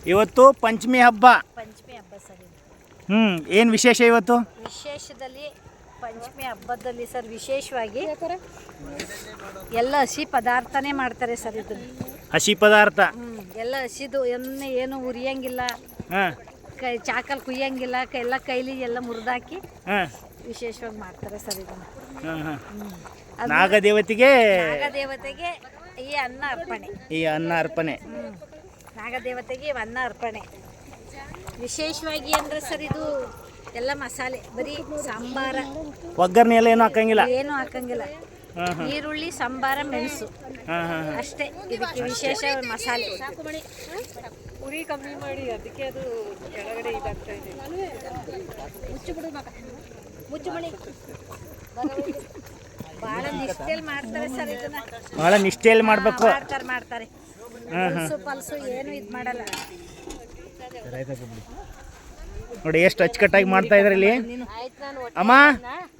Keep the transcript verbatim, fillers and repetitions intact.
ಇವತ್ತು ಪಂಚಮಿ ಹಬ್ಬ. ಪಂಚಮಿ ಹಬ್ಬ ಸರ್ ಇದು. ಹ್ಞೂ ಏನು ವಿಶೇಷ ಇವತ್ತು? ವಿಶೇಷದಲ್ಲಿ ಪಂಚಮಿ ಹಬ್ಬದಲ್ಲಿ ಸರ್ ವಿಶೇಷವಾಗಿ ಎಲ್ಲ ಹಸಿ ಪದಾರ್ಥನೇ ಮಾಡ್ತಾರೆ ಸರ್ ಇದನ್ನು. ಹಸಿ ಪದಾರ್ಥ ಹ್ಞೂ ಎಲ್ಲ ಹಸಿದು ಎಣ್ಣೆ ಏನು ಉರಿಯಂಗಿಲ್ಲ, ಹಾಂ ಕೈ ಚಾಕಲ್ ಕುಯ್ಯಂಗಿಲ್ಲ, ಕೈ ಎಲ್ಲ ಕೈಲಿ ಎಲ್ಲ ಮುರಿದಾಕಿ ಹಾಂ ವಿಶೇಷವಾಗಿ ಮಾಡ್ತಾರೆ ಸರ್ ಇದನ್ನು. ಹಾಂ ಹಾಂ ನಾಗದೇವತೆಗೆ ನಾಗದೇವತೆಗೆ ಈ ಅನ್ನ ಅರ್ಪಣೆ. ಈ ಅನ್ನ ಅರ್ಪಣೆ. ಹ್ಞೂ ನಾಗದೇವತೆಗೆ ಅನ್ನ ಅರ್ಪಣೆ. ವಿಶೇಷವಾಗಿ ಅಂದರೆ ಸರ್ ಇದು ಎಲ್ಲ ಮಸಾಲೆ, ಬರೀ ಸಾಂಬಾರ, ಒಗ್ಗರಣೆ ಎಲ್ಲ ಏನು ಹಾಕಂಗಿಲ್ಲ, ಏನು ಹಾಕಂಗಿಲ್ಲ. ಈರುಳ್ಳಿ, ಸಾಂಬಾರ, ಮೆಣಸು ಹಾಂ ಹಾಂ ಅಷ್ಟೇ ಇದಕ್ಕೆ ವಿಶೇಷ ಮಸಾಲೆ. ಉರಿ ಕಮ್ಮಿ ಮಾಡಿ ಅದಕ್ಕೆ ಅದು ಕೆಳಗಡೆ ಇದಾಗ್ತಾ ಇದೆ. ಮುಚ್ಚು ಬಿಡು ಮಗ, ಮುಚ್ಚು ಮಣಿ. ಭಾಳ ನಿಷ್ಠೆಯಲ್ಲಿ ಮಾಡ್ತಾರೆ ಸರ್ ಇದನ್ನ. ಭಾಳ ನಿಷ್ಠೆಯಲ್ಲಿ ಮಾಡಬೇಕು. ಮಾಡ್ತಾರೆ ಮಾಡ್ತಾರೆ ಪಲ್ಸು ಪಲ್ಸು ಏನು ಇದು ಮಾಡಲ್ಲ ನೋಡಿ ಎಷ್ಟು ಅಚ್ಚುಕಟ್ಟಾಗಿ ಮಾಡ್ತಾ ಇದ್ದಾರೆ ಇಲ್ಲಿ. ಅಮ್ಮ